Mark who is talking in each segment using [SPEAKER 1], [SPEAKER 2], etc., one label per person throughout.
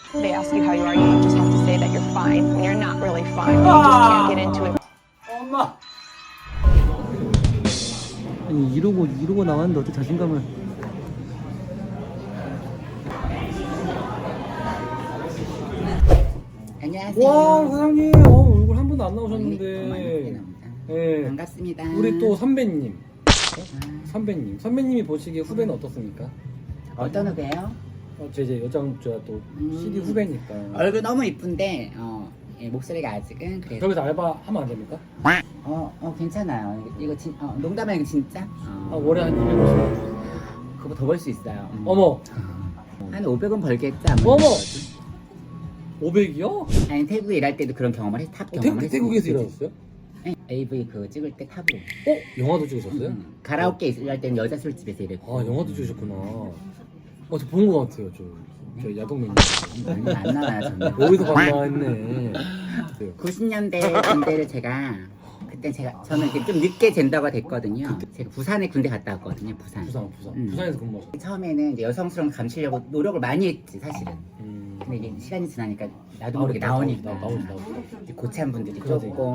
[SPEAKER 1] They ask you how you are, you just have to say that you're fine when you're not really fine. You just can't get into it.
[SPEAKER 2] 엄마. 아니 이러고 나왔는데 어떻게 자신감을?
[SPEAKER 3] 안녕하세요.
[SPEAKER 2] 와 사장님, 얼굴 한 번도 안 나오셨는데. 예.
[SPEAKER 3] 반갑습니다.
[SPEAKER 2] 우리 또 선배님. 선배님이 보시기에 후배는 어떻습니까?
[SPEAKER 3] 어떤 후배요?
[SPEAKER 2] 제 이제 여장 제가 또 CD 후배니까.
[SPEAKER 3] 얼굴 너무 이쁜데 예, 목소리가 아직은 그래도
[SPEAKER 2] 저기서 알바 하면 안 됩니까?
[SPEAKER 3] 괜찮아요. 이거 농담 아니고 진짜?
[SPEAKER 2] 월에 한 250만.
[SPEAKER 3] 그거 더 벌 수 있어요.
[SPEAKER 2] 어머.
[SPEAKER 3] 한 500원 벌겠지 아무래도.
[SPEAKER 2] 어머. 500이요?
[SPEAKER 3] 아니 태국에 일할 때도 그런 경험을 탑 경험을 했어요.
[SPEAKER 2] 태국에서 일하셨어요?
[SPEAKER 3] 네, AV 그거 찍을 때 탑으로.
[SPEAKER 2] 영화도 찍으셨어요?
[SPEAKER 3] 가라오케 일할 때는 여자 술집에서 일했고.
[SPEAKER 2] 영화도 찍으셨구나. 저 본 거 같아요. 저 야동맨.
[SPEAKER 3] 얼마 안 나와요 저는.
[SPEAKER 2] 어디서 봤나 했네.
[SPEAKER 3] 90년대 군대를 그때 저는 이렇게 좀 늦게 젠더가 됐거든요. 제가 부산에 군대 갔다 왔거든요. 부산.
[SPEAKER 2] 부산에서 근무하셨어요.
[SPEAKER 3] 처음에는 이제 여성스러움 감추려고 노력을 많이 했지 사실은. 근데 이게 시간이 지나니까 나도 모르게 나오니까
[SPEAKER 2] 나오지.
[SPEAKER 3] 이제 고참 분들이
[SPEAKER 2] 그러지.
[SPEAKER 3] 조금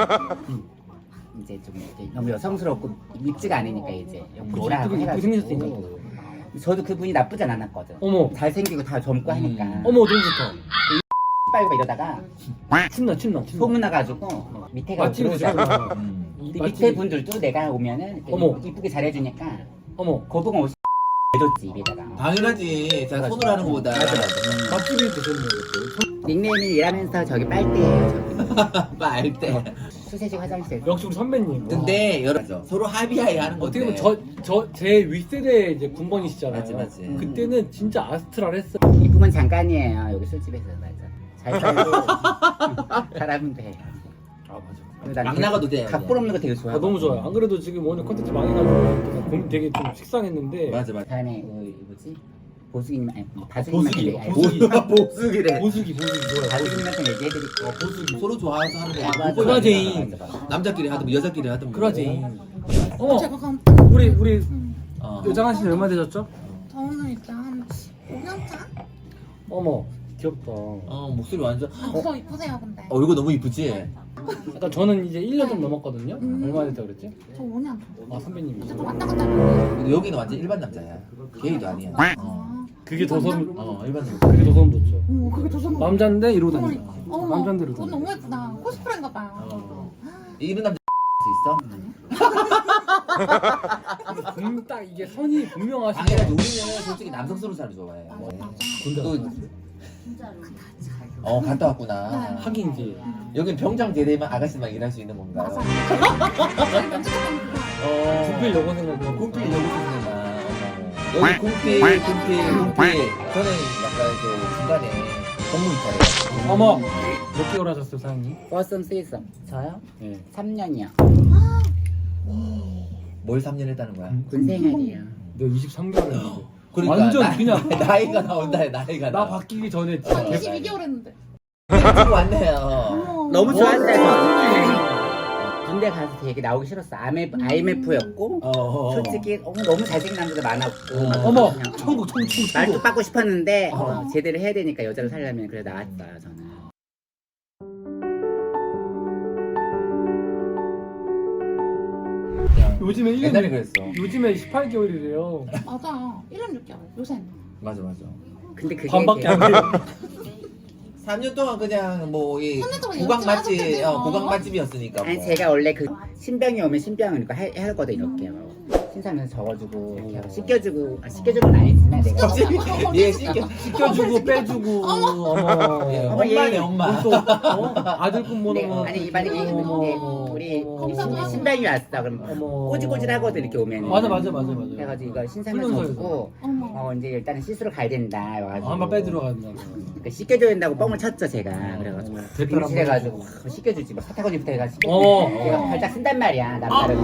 [SPEAKER 3] 이제 좀 이렇게 너무 여성스럽고 밉지가 않으니까 이제 뭐라
[SPEAKER 2] 이쁘게
[SPEAKER 3] 해가지고.
[SPEAKER 2] 생겼으니까.
[SPEAKER 3] 저도 그분이 나쁘진 않았거든.
[SPEAKER 2] 어머.
[SPEAKER 3] 잘생기고 다 젊고 하니까.
[SPEAKER 2] 어머 너무 좋다.
[SPEAKER 3] 빨고 이러다가
[SPEAKER 2] 침나.
[SPEAKER 3] 소문 나가지고 밑에가
[SPEAKER 2] 맛집이잖아.
[SPEAKER 3] 근데 밑에 분들도 내가 오면은
[SPEAKER 2] 어머.
[SPEAKER 3] 이쁘게 잘해주니까
[SPEAKER 2] 어머.
[SPEAKER 3] 거북은 옷 해줬지 입에다가.
[SPEAKER 4] 당연하지. 자, 손으로 하는 것보다.
[SPEAKER 2] 맛집이 되셨네요.
[SPEAKER 3] 닉네임이 일하면서 저기 빨대예요. 저기
[SPEAKER 4] 말 때.
[SPEAKER 3] 수세식 화장실.
[SPEAKER 2] 역시 우리 선배님.
[SPEAKER 4] 근데 여러 서로 합의하에 하는 건데.
[SPEAKER 2] 어떻게 보면 제 윗세대 이제 군번이시잖아요.
[SPEAKER 4] 맞지.
[SPEAKER 2] 그때는 진짜 아스트랄했어.
[SPEAKER 3] 이쁜 건 잠깐이에요. 여기 술집에서 맞아. 잘 살고 사람은 돼.
[SPEAKER 2] 맞아.
[SPEAKER 4] 막 나가도 돼요.
[SPEAKER 3] 각본 없는 거 되게 좋아.
[SPEAKER 2] 너무 좋아요. 안 그래도 지금 오늘 컨텐츠 망해가지고 되게 좀 식상했는데.
[SPEAKER 4] 맞아.
[SPEAKER 3] 다음에 뭐지? 보수기님 아니
[SPEAKER 2] 보수기.
[SPEAKER 3] 보수기래.
[SPEAKER 2] 보수기 좋아요.
[SPEAKER 3] 바수기님한테 얘기해드릴게요.
[SPEAKER 2] 보수기.
[SPEAKER 4] 서로 좋아해서 하는 거야.
[SPEAKER 3] 맞아,
[SPEAKER 2] 그라제인.
[SPEAKER 3] 맞아, 맞아.
[SPEAKER 4] 남자끼리 하든 여자끼리 하든.
[SPEAKER 2] 그라제인.
[SPEAKER 4] 뭐.
[SPEAKER 2] 우리 여장한 씨 얼마 되셨죠?
[SPEAKER 5] 저는 일단 5년 차?
[SPEAKER 2] 어머 귀엽다.
[SPEAKER 4] 목소리 완전.
[SPEAKER 5] 더 이쁘세요 근데.
[SPEAKER 4] 이거 너무 이쁘지?
[SPEAKER 2] 그러니까 저는 이제 1년 좀 넘었거든요. 얼마 됐다 그랬지?
[SPEAKER 5] 저 5년.
[SPEAKER 2] 선배님이.
[SPEAKER 5] 어쨌든 왔다 갔다 하는데.
[SPEAKER 4] 근데 여기는 완전 일반 남자야. 게이도 아니야.
[SPEAKER 2] 그게 더 소름.
[SPEAKER 4] 일반 남자.
[SPEAKER 2] 그게 더 소름 돋죠.
[SPEAKER 5] 오 그게 더 좋은 거.
[SPEAKER 2] 남잔데 이러고 다니까.
[SPEAKER 5] 그러니까. 어머,
[SPEAKER 2] 남잔데 이러고
[SPEAKER 5] 그건
[SPEAKER 2] 다니까.
[SPEAKER 5] 너무 예쁘다. 코스프레인가 봐요.
[SPEAKER 4] 이런 남자 수 있어?
[SPEAKER 2] 딱 이게 선이 분명하시네.
[SPEAKER 4] 당연하지. 우리는 솔직히 남성스러운 사람 좋아해. 또 갔다 왔구나.
[SPEAKER 2] 하긴지.
[SPEAKER 4] 여긴 병장 제대만 아가씨만 일할 수 있는 건가요?
[SPEAKER 5] 저희 면접관 그거.
[SPEAKER 2] 군필 여고생하고
[SPEAKER 4] 군필 여고생들만. 여기 군필. 저는 약간 그 중간에 공무 있잖아요.
[SPEAKER 2] 어머 몇 개월 하셨어요 사장님?
[SPEAKER 3] 버썸 쓰이썸. 저요?
[SPEAKER 2] 네.
[SPEAKER 3] 3년이요.
[SPEAKER 4] 뭘 3년 했다는 거야?
[SPEAKER 3] 군생활이요.
[SPEAKER 2] 내가 23개월 했는데.
[SPEAKER 4] 그러니까
[SPEAKER 2] 완전 그냥
[SPEAKER 4] 나이가 나온다. 나이가
[SPEAKER 2] 나 바뀌기 전에
[SPEAKER 5] 저
[SPEAKER 2] 진짜
[SPEAKER 5] 22개월 했는데.
[SPEAKER 4] 지금 왔네요.
[SPEAKER 5] 어머.
[SPEAKER 3] 너무 좋았어요. 저는. 군대 가서 되게 나오기 싫었어. IMF였고 솔직히 너무 잘생긴 남자들 많았고
[SPEAKER 2] 어머
[SPEAKER 3] 그냥
[SPEAKER 2] 천국
[SPEAKER 3] 말뚝 받고 싶었는데 제대로 해야 되니까 여자를 살려면 그래 나왔어요 저는.
[SPEAKER 2] 요즘에 1년
[SPEAKER 4] 옛날에 그랬어.
[SPEAKER 2] 요즘에 18개월이래요.
[SPEAKER 5] 맞아. 1년 6개월. 요새는.
[SPEAKER 4] 맞아.
[SPEAKER 3] 근데 그게
[SPEAKER 2] 반밖에 안 돼요.
[SPEAKER 4] 3년 동안 그냥 뭐이
[SPEAKER 5] 삼년 동안
[SPEAKER 4] 구강
[SPEAKER 5] 열심히
[SPEAKER 4] 맛집,
[SPEAKER 5] 하셨겠네요.
[SPEAKER 4] 구강 맛집이었으니까.
[SPEAKER 3] 아니
[SPEAKER 4] 뭐.
[SPEAKER 3] 제가 원래 그 신병이 오면 신병은 이거 하거든 이렇게 신사면서 적어주고 이렇게 씻겨주고 씻겨주는 건 아니지만 내가
[SPEAKER 4] 갑자기 얘 시켜.
[SPEAKER 2] 시켜주고 빼주고 어머
[SPEAKER 4] 예,
[SPEAKER 3] 어머,
[SPEAKER 4] 엄마네
[SPEAKER 3] 얘.
[SPEAKER 4] 엄마.
[SPEAKER 2] 또 아들뿐
[SPEAKER 3] 네,
[SPEAKER 2] 모노
[SPEAKER 3] 아니 이번에 우리
[SPEAKER 5] 감사합니다.
[SPEAKER 3] 신병이 왔어 그럼
[SPEAKER 2] 어머.
[SPEAKER 3] 꼬질꼬질하거든 이렇게 오면
[SPEAKER 2] 맞아.
[SPEAKER 3] 그래가지고 이거 신사면서
[SPEAKER 2] 훈련소에서.
[SPEAKER 3] 적고
[SPEAKER 5] 어머.
[SPEAKER 3] 이제 일단은 씻으러 가야 된다 와가지고
[SPEAKER 2] 한번 빼들어 간다.
[SPEAKER 3] 그러니까 씻겨줘야 된다고 뻥을 쳤죠 제가 그래가지고
[SPEAKER 2] 대표를 한번
[SPEAKER 3] 임실해가지고 씻겨주지 막 사타구니부터 해가 씻겨주지
[SPEAKER 2] 어.
[SPEAKER 3] 내가 발짝 쓴단 말이야 남다른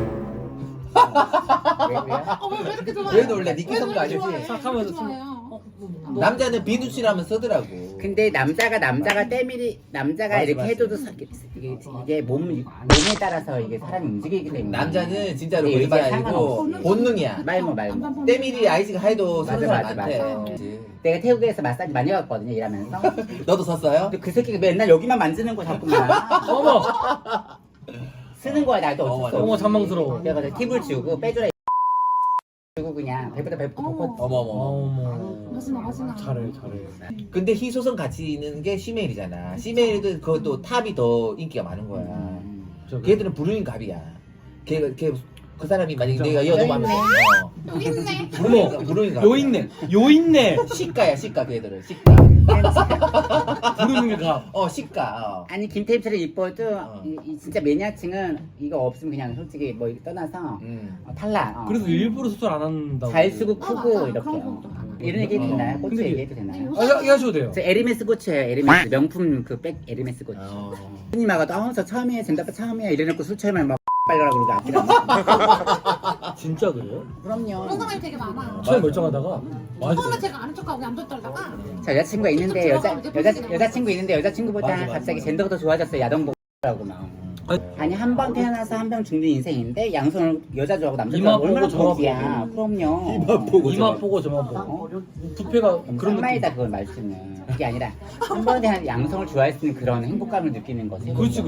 [SPEAKER 5] 왜 이렇게 좋아요?
[SPEAKER 4] 왜 놀래? 니끼 성도 아니지?
[SPEAKER 5] 좋아해요?
[SPEAKER 2] 싹 하면서
[SPEAKER 5] 좋아해요.
[SPEAKER 4] 남자는 비누칠하면 쓰더라고.
[SPEAKER 3] 근데 남자가 때밀이 남자가
[SPEAKER 4] 맞아,
[SPEAKER 3] 이렇게
[SPEAKER 4] 맞아.
[SPEAKER 3] 해도 이게 몸에 따라서 이게 사람이 움직이기 때문에
[SPEAKER 4] 남자는 진짜로
[SPEAKER 3] 이게
[SPEAKER 4] 그게 아니고
[SPEAKER 3] 상관없어.
[SPEAKER 4] 본능이야.
[SPEAKER 3] 말모
[SPEAKER 4] 때밀이 아이스가 해도
[SPEAKER 3] 맞아,
[SPEAKER 4] 서는
[SPEAKER 3] 맞아,
[SPEAKER 4] 사람
[SPEAKER 3] 맞아.
[SPEAKER 4] 많대.
[SPEAKER 3] 내가 태국에서 마사지 많이 갔거든요 일하면서.
[SPEAKER 4] 너도 썼어요?
[SPEAKER 3] 근데 그 새끼가 맨날 여기만 만지는 거 자꾸만
[SPEAKER 2] 어머
[SPEAKER 3] 쓰는 거야 나도
[SPEAKER 4] 어머,
[SPEAKER 3] 어쩔 수
[SPEAKER 2] 어머
[SPEAKER 3] 없이.
[SPEAKER 2] 잔망스러워.
[SPEAKER 3] 내가 팁을 주고 빼주라 주고 그냥 배보다 덮고
[SPEAKER 4] 어머머.
[SPEAKER 2] 어머
[SPEAKER 5] 맛있나.
[SPEAKER 2] 잘해.
[SPEAKER 4] 근데 희소성 같이 있는 게 시메일이잖아. 시메일도 그것도 탑이 더 인기가 많은 거야. 걔들은 불륜 갑이야. 그 사람이 만약에 내가
[SPEAKER 3] 여기
[SPEAKER 4] 여동하면
[SPEAKER 5] 여기 있네.
[SPEAKER 2] 어머
[SPEAKER 4] 불륜 갑.
[SPEAKER 2] 요 있네.
[SPEAKER 4] 시가야 시가 걔들은 시가.
[SPEAKER 2] 부르는 게 가.
[SPEAKER 4] 시가.
[SPEAKER 3] 아니 김태입처럼 이뻐도 이 진짜 매니아층은 이거 없으면 그냥 솔직히 뭐 떠나서 탈락.
[SPEAKER 2] 그래서 일부러 수술 안 한다고.
[SPEAKER 3] 잘 쓰고
[SPEAKER 5] 맞아.
[SPEAKER 3] 크고 이렇게
[SPEAKER 5] 그런 것도
[SPEAKER 3] 이런 얘기 해도 되나요? 꽃
[SPEAKER 2] 근데
[SPEAKER 3] 얘기해도 되나요?
[SPEAKER 2] 하셔도 돼요.
[SPEAKER 3] 저 에르메스 꽃이에요. 에르메스 명품 그 백 에르메스 꽃.
[SPEAKER 4] 어.
[SPEAKER 3] 손님하고도 저 처음이에요. 젠다빠 처음이에요. 이래놓고 술 처음에 막 빨려라 그러고 앞이라.
[SPEAKER 2] 진짜 그래요?
[SPEAKER 5] 그런
[SPEAKER 3] 그럼요.
[SPEAKER 5] 사람이 되게 많아.
[SPEAKER 2] 처음에 멀쩡하다가
[SPEAKER 5] 처음에 제가 아는 척하고 얌전 떨다가
[SPEAKER 3] 저 여자친구가 있는데 여자친구 있는데 여자친구보다
[SPEAKER 4] 맞아, 맞아.
[SPEAKER 3] 갑자기 젠더가 더 좋아졌어요. 야동보라고 막. 아니 한 번 태어나서 한 번 죽는 인생인데 양손을 여자 좋아하고 남자
[SPEAKER 2] 이마
[SPEAKER 3] 좋아하고 얼마나
[SPEAKER 2] 보고 저마
[SPEAKER 3] 복이야. 그럼요.
[SPEAKER 2] 이마 보고 저마 보고 부패가 그런
[SPEAKER 3] 상마이다 그건 말씀은. 그게 아니라 한 번에 한 양성을 좋아할 수 있는 그런 행복감을 느끼는 거지.
[SPEAKER 2] 그렇지.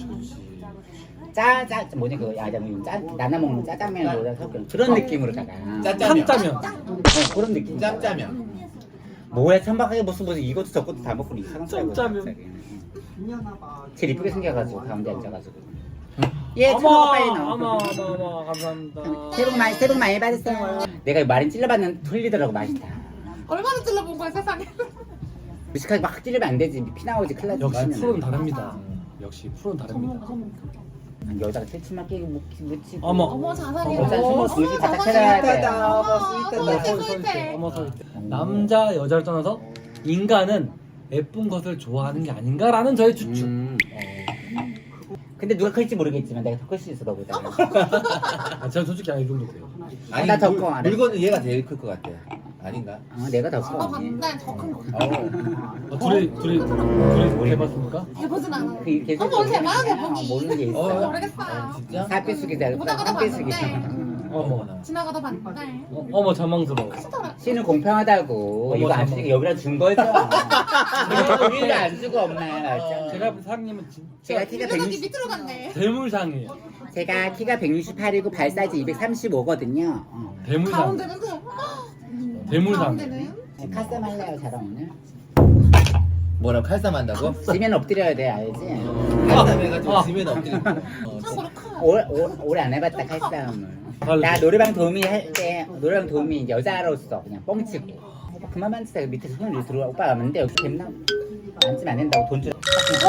[SPEAKER 3] 뭐지 그거 나나 먹는 짜장면으로 섞은 그런 느낌으로다가
[SPEAKER 4] 짜짜면.
[SPEAKER 2] 참짜면.
[SPEAKER 3] 그런 느낌.
[SPEAKER 4] 짭짜면.
[SPEAKER 3] 뭐야 천박하게 무슨 이것도 저것도 다 먹고 이상한 소리 하고
[SPEAKER 2] 짬짜면.
[SPEAKER 3] 갑자기. 제일 이쁘게 생겨가지고 가운데 앉아가지고 예
[SPEAKER 2] 어머
[SPEAKER 3] 천박 빨리 넣어.
[SPEAKER 2] 어머 감사합니다.
[SPEAKER 3] 새해 복 많이 받으세요. 내가 말은 찔러봤는데 틀리더라고 맛이 다.
[SPEAKER 5] 얼마나 찔러본 거야 세상에.
[SPEAKER 3] 무식하게 막 찔르면 안 되지 피 나오지 큰일 나지.
[SPEAKER 2] 역시
[SPEAKER 3] 그러면.
[SPEAKER 2] 프로는 다릅니다. 역시 프로는 다릅니다.
[SPEAKER 3] 여자가 새치만 끼고 묻히고.
[SPEAKER 2] 어머.
[SPEAKER 5] 어머 자상해.
[SPEAKER 3] 여자 숨어 정신 바짝 차려야 돼.
[SPEAKER 2] 어머 서있대. 어머 서있대. 남자 여자를 떠나서 인간은 예쁜 것을 좋아하는 게 아닌가라는 저의 추측.
[SPEAKER 3] 근데 누가 클지 모르겠지만 내가 더 클 수 있어 너보다.
[SPEAKER 2] 아, 제가 솔직히 이 정도 돼요.
[SPEAKER 4] 아니
[SPEAKER 3] 나 덮고 안 해.
[SPEAKER 4] 물건은 얘가 제일 클 것 같아. 아닌가?
[SPEAKER 3] 내가 더
[SPEAKER 5] 너
[SPEAKER 3] 커.
[SPEAKER 5] 봤는데 더큰 거.
[SPEAKER 2] 둘이 해봤습니까?
[SPEAKER 5] 해보진 않아.
[SPEAKER 3] 그 계속
[SPEAKER 5] 뭘 해봐야 돼 보기.
[SPEAKER 3] 모르는 게 있어.
[SPEAKER 5] 모르겠어.
[SPEAKER 4] 진짜?
[SPEAKER 3] 살빼수기 잘
[SPEAKER 5] 오다가다
[SPEAKER 3] 살빼수기.
[SPEAKER 5] 봤는데
[SPEAKER 2] 어머.
[SPEAKER 5] 지나가다 봤는데
[SPEAKER 2] 어머 잔망스러워.
[SPEAKER 5] 크더라.
[SPEAKER 3] 씨는 공평하다고.
[SPEAKER 2] 어머,
[SPEAKER 3] 이거 안
[SPEAKER 2] 잠깐만.
[SPEAKER 3] 주니까 여기다 준 거죠. 우리가 안 주고 엄마.
[SPEAKER 2] 제가 본 사장님은 진짜
[SPEAKER 3] 제가 키가
[SPEAKER 5] 이거저기
[SPEAKER 3] 160.
[SPEAKER 5] 밑으로 갔네.
[SPEAKER 2] 대물상이에요.
[SPEAKER 3] 제가 키가 168이고 발 사이즈 235거든요.
[SPEAKER 2] 대물상.
[SPEAKER 5] 가운데는
[SPEAKER 2] 대물상.
[SPEAKER 5] 가운데는
[SPEAKER 3] 카스텀 할래요, 저랑 오늘?
[SPEAKER 4] 뭐라고 칼싸움한다고?
[SPEAKER 3] 지면 엎드려야 돼, 알지?
[SPEAKER 4] 칼싸움 해가지고 지면 엎드리고.
[SPEAKER 5] 참고로 커.
[SPEAKER 3] 오래 안 해봤다, 칼싸움을.
[SPEAKER 2] 발로.
[SPEAKER 3] 나 노래방 도우미 할 때, 노래방 도우미 이제 여자로서 그냥 뻥치고. 오빠 그만 만지다 밑에 손을 들어와. 오빠 왔는데 여기 뱀나 만지면 안 된다고 돈 주라.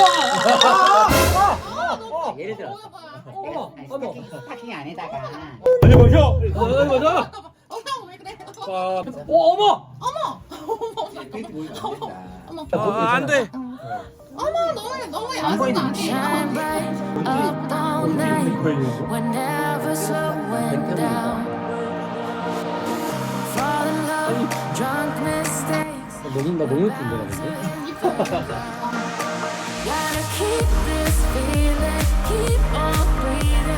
[SPEAKER 3] 예를 들어. 스타킹 안에다가.
[SPEAKER 2] 아니 맞아. 아니 맞아.
[SPEAKER 5] 왜 그래?
[SPEAKER 2] 어머. 안 돼.
[SPEAKER 5] 어머 너무 야한
[SPEAKER 6] Shine bright up all night. We're never slowing down. Fall in love, drunk mistakes.
[SPEAKER 2] 너무 예쁜데 근데.
[SPEAKER 6] Gotta keep this feeling, keep on breathing.